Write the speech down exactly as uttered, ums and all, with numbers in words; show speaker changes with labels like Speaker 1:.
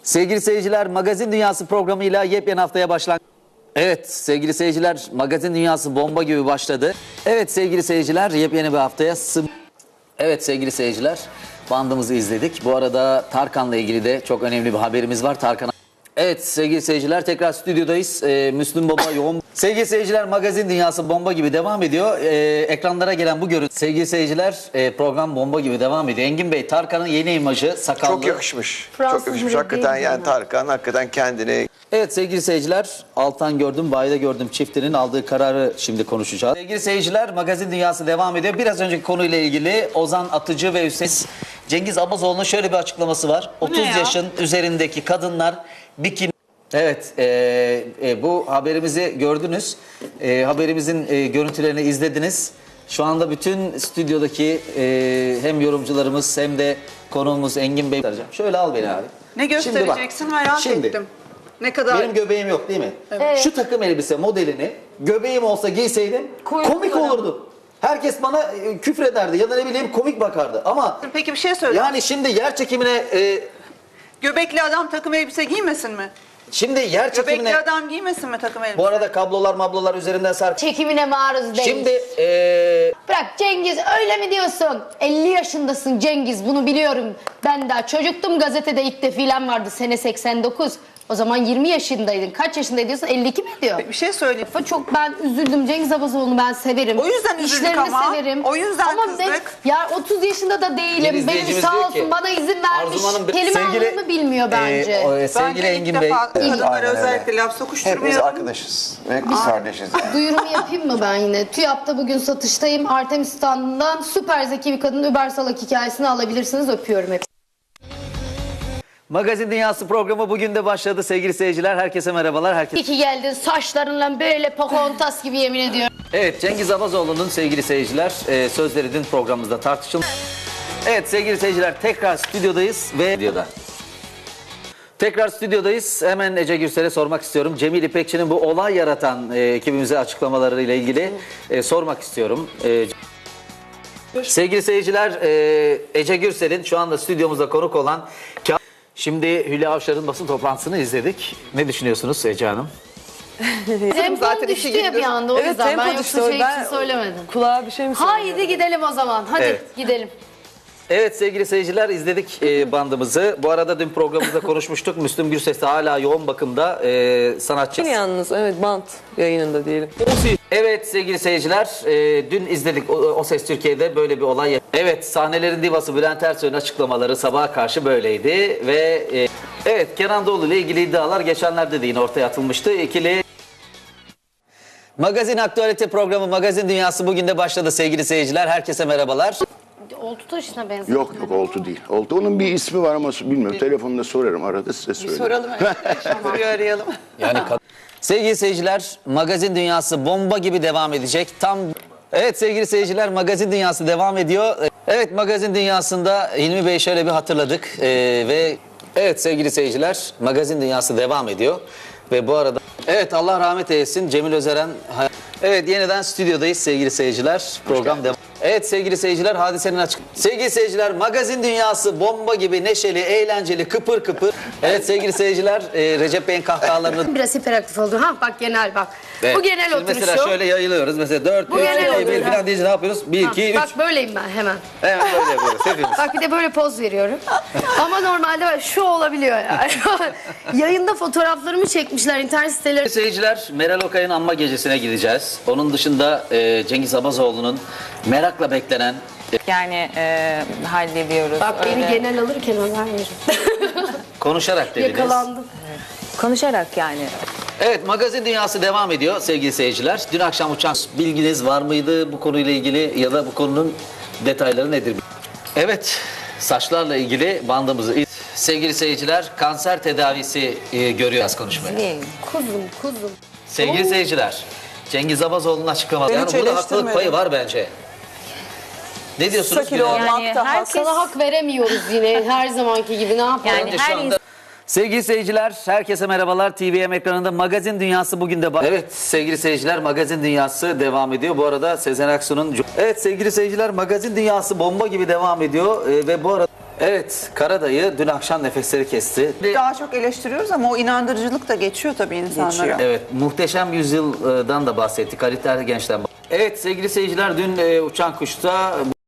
Speaker 1: Sevgili seyirciler, Magazin Dünyası programıyla yepyeni haftaya başlan. Evet sevgili seyirciler, Magazin Dünyası bomba gibi başladı. Evet sevgili seyirciler, yepyeni bir haftaya sım... Evet sevgili seyirciler, bandımızı izledik. Bu arada Tarkan'la ilgili de çok önemli bir haberimiz var. Tarkan. Evet sevgili seyirciler, tekrar stüdyodayız. Ee, Müslüm Baba yoğun. Sevgili seyirciler, Magazin Dünyası bomba gibi devam ediyor. Ee, ekranlara gelen bu görüntü. Sevgili seyirciler, e, program bomba gibi devam ediyor. Engin Bey, Tarkan'ın yeni imajı, sakallı.
Speaker 2: Çok yakışmış.
Speaker 3: Fransız
Speaker 2: Çok yakışmış.
Speaker 3: bile
Speaker 2: Hakikaten
Speaker 3: değil
Speaker 2: yani
Speaker 3: mi?
Speaker 2: Tarkan hakikaten kendini...
Speaker 1: Evet sevgili seyirciler, Altan Gördüm, Bayda Gördüm çiftinin aldığı kararı şimdi konuşacağız. Sevgili seyirciler, Magazin Dünyası devam ediyor. Biraz önceki konuyla ilgili Ozan Atıcı ve Hüseyin Cengiz Abazoğlu'nun şöyle bir açıklaması var. otuz
Speaker 3: ya?
Speaker 1: yaşın üzerindeki kadınlar bikini... Evet, e, e, bu haberimizi gördünüz. E, haberimizin e, görüntülerini izlediniz. Şu anda bütün stüdyodaki e, hem yorumcularımız hem de konuğumuz Engin Bey. Şöyle al beni abi.
Speaker 4: Ne göstereceksin
Speaker 1: Şimdi bak,
Speaker 4: merak
Speaker 1: şimdi,
Speaker 4: ettim. Ne kadar?
Speaker 1: Benim göbeğim yok değil mi?
Speaker 3: Evet.
Speaker 1: Şu takım elbise modelini göbeğim olsa giyseydim
Speaker 3: Kuyruk
Speaker 1: komik
Speaker 3: var.
Speaker 1: olurdu. Herkes bana e, küfrederdi ya da ne bileyim komik bakardı. Ama
Speaker 4: Peki bir şey söyle.
Speaker 1: yani şimdi yer çekimine e,
Speaker 4: Göbekli adam takım elbise giymesin mi?
Speaker 1: şimdi yer çekimine
Speaker 4: Göbekli adam giymesin mi takım elbise?
Speaker 1: bu arada kablolar mablolar üzerinden sark.
Speaker 3: Çekimine maruz değil.
Speaker 1: Şimdi e,
Speaker 3: Bırak Cengiz, öyle mi diyorsun? elli yaşındasın Cengiz, bunu biliyorum. Ben daha çocuktum, gazetede ilk defilem vardı sene seksen dokuz. O zaman yirmi yaşındaydın. Kaç yaşındaydın diyorsun? elli iki mi diyor?
Speaker 4: Bir şey söyleyeyim.
Speaker 3: Çok ben üzüldüm. Cengiz Abazoğlu'nu ben severim.
Speaker 4: O yüzden üzüldük
Speaker 3: İşlerini
Speaker 4: ama.
Speaker 3: severim.
Speaker 4: O yüzden
Speaker 3: ama
Speaker 4: kızdık.
Speaker 3: Ben, ya otuz yaşında da
Speaker 1: Bir
Speaker 3: değilim. Benim
Speaker 1: izleyicimiz
Speaker 3: sağ
Speaker 1: diyor
Speaker 3: olsun
Speaker 1: ki,
Speaker 3: bana izin vermiş.
Speaker 1: Arzu Hanım,
Speaker 3: Kelime
Speaker 1: sevgili-
Speaker 3: anlamı bilmiyor bence.
Speaker 1: e, o, e, sevgili
Speaker 4: Bence
Speaker 1: Engin
Speaker 4: ilk
Speaker 1: Bey.
Speaker 4: defa kadınlara
Speaker 2: Aynen öyle.
Speaker 4: özellikle laf
Speaker 2: Hepimiz
Speaker 4: sokuşturmuyorum.
Speaker 2: arkadaşız ve kız kardeşiz yani.
Speaker 3: Duyurumu yapayım mı ben yine? TÜYAP'ta bugün satıştayım. Artemis standından süper zeki bir kadın Über Salak hikayesini alabilirsiniz. Öpüyorum hepsini.
Speaker 1: Magazin Dünyası programı bugün de başladı sevgili seyirciler. Herkese merhabalar. Herkes...
Speaker 3: İyi ki geldin. Saçlarınla böyle Pocahontas gibi yemin ediyorum.
Speaker 1: Evet, Cengiz Abazoğlu'nun sevgili seyirciler e, sözleri dün programımızda tartışıldı. Evet sevgili seyirciler, tekrar stüdyodayız ve stüdyoda. Tekrar stüdyodayız. Hemen Ece Gürsel'e sormak istiyorum. Cemil İpekçi'nin bu olay yaratan e, ekibimize açıklamalarıyla ilgili e, sormak istiyorum. E, sevgili seyirciler, e, Ece Gürsel'in şu anda stüdyomuzda konuk olan... Şimdi Hülya Avşar'ın basın toplantısını izledik. Ne düşünüyorsunuz Ece Hanım?
Speaker 3: Tempom
Speaker 4: zaten
Speaker 3: düştü
Speaker 4: işi
Speaker 3: ya bir
Speaker 4: gündüz.
Speaker 3: anda o
Speaker 5: Evet,
Speaker 3: yüzden.
Speaker 5: tempo
Speaker 3: Ben
Speaker 5: düştü.
Speaker 3: yoksa şey
Speaker 5: Ben
Speaker 3: için söylemedim.
Speaker 5: Kulağa bir şey mi söylüyorum?
Speaker 3: Haydi gidelim o zaman. Hadi
Speaker 1: Evet.
Speaker 3: gidelim.
Speaker 1: Evet sevgili seyirciler, izledik e, bandımızı. Bu arada dün programımızda konuşmuştuk. Müslüm Gürses de hala yoğun bakımda e, sanatçı.
Speaker 5: Yalnız evet, bant yayınında diyelim.
Speaker 1: Evet sevgili seyirciler, e, dün izledik o, o Ses Türkiye'de böyle bir olay. Evet, sahnelerin divası Bülent Ersoy'un açıklamaları sabaha karşı böyleydi ve e, evet, Kenan Doğulu ile ilgili iddialar geçenlerde de yine ortaya atılmıştı. İkili Magazin Aktualite programı Magazin Dünyası bugün de başladı sevgili seyirciler. Herkese merhabalar.
Speaker 3: Oltu taşına benziyor.
Speaker 6: Yok yok oltu değil. Oltu onun bir ismi var ama bilmiyorum. Telefonda sorarım arada size söylerim.
Speaker 4: Soralım. Soruyu arayalım.
Speaker 1: Yani kad- sevgili seyirciler, Magazin Dünyası bomba gibi devam edecek. Tam evet sevgili seyirciler, Magazin Dünyası devam ediyor. Evet, Magazin Dünyası'nda Hilmi Bey şöyle bir hatırladık Ee, ve evet sevgili seyirciler, Magazin Dünyası devam ediyor ve bu arada evet Allah rahmet eylesin Cemil Özeren. Evet, yeniden stüdyodayız sevgili seyirciler. Program devam. Evet sevgili seyirciler, hadisenin açık. Sevgili seyirciler, Magazin Dünyası bomba gibi neşeli, eğlenceli, kıpır kıpır. Evet sevgili seyirciler, e, Recep Bey'in kahkahalarını...
Speaker 3: Biraz hiperaktif oldu. Ha bak genel bak.
Speaker 1: Evet.
Speaker 3: Bu genel
Speaker 1: Şimdi
Speaker 3: oturuşu.
Speaker 1: mesela şöyle yayılıyoruz. Mesela dört,
Speaker 3: Bu
Speaker 1: üç,
Speaker 3: genel
Speaker 1: iki, bir
Speaker 3: oturuş.
Speaker 1: falan deyince ne yapıyoruz? bir,
Speaker 3: Ha,
Speaker 1: iki, üç.
Speaker 3: bak böyleyim ben hemen.
Speaker 1: Hemen böyle yapıyoruz hepimiz.
Speaker 3: Bak bir de böyle poz veriyorum. Ama normalde bak şu olabiliyor yani. Yayında fotoğraflarımı çekmişler internet siteleri.
Speaker 1: Seyirciler, Meral Okay'ın anma gecesine gideceğiz. Onun dışında e, Cengiz Abazoğlu'nun merakla beklenen...
Speaker 7: Yani e, hallediyoruz.
Speaker 3: Bak beni
Speaker 7: öyle.
Speaker 3: genel alırken haber verin.
Speaker 1: Konuşarak dediniz.
Speaker 3: Yakalandım.
Speaker 7: Konuşarak yani.
Speaker 1: Evet, Magazin Dünyası devam ediyor sevgili seyirciler. Dün akşam uçan bilginiz var mıydı bu konuyla ilgili ya da bu konunun detayları nedir? Evet, saçlarla ilgili bandımızı... Sevgili seyirciler, kanser tedavisi e, görüyoruz konuşmaya.
Speaker 7: Değil.
Speaker 3: Kuzum kuzum.
Speaker 1: Sevgili seyirciler, Cengiz Abazoğlu'nun açıklaması.
Speaker 4: Ben
Speaker 1: Yani
Speaker 4: hiç
Speaker 1: burada haklılık
Speaker 4: eleştirmedim.
Speaker 1: payı var bence. Ne diyorsunuz?
Speaker 4: Sakil
Speaker 1: Gülay Hanım?
Speaker 4: olmak
Speaker 7: Yani
Speaker 4: da hak.
Speaker 7: herkes-
Speaker 3: Sana hak veremiyoruz yine her zamanki gibi ne yapalım?
Speaker 7: Yani
Speaker 1: Önce şu
Speaker 7: her
Speaker 1: anda- Sevgili seyirciler, herkese merhabalar. T V M ekranında Magazin Dünyası bugün de... ba- Evet sevgili seyirciler, Magazin Dünyası devam ediyor. Bu arada Sezen Aksu'nun... Evet sevgili seyirciler, Magazin Dünyası bomba gibi devam ediyor. Ee, ve bu arada... Evet, Karadayı dün akşam nefesleri kesti.
Speaker 4: Daha çok eleştiriyoruz ama o inandırıcılık da geçiyor tabii insanlara.
Speaker 7: Geçiyor.
Speaker 1: Evet, Muhteşem Yüzyıl'dan da bahsettik. Halit Ergenç'ten. Evet sevgili seyirciler, dün e, Uçan Kuş'ta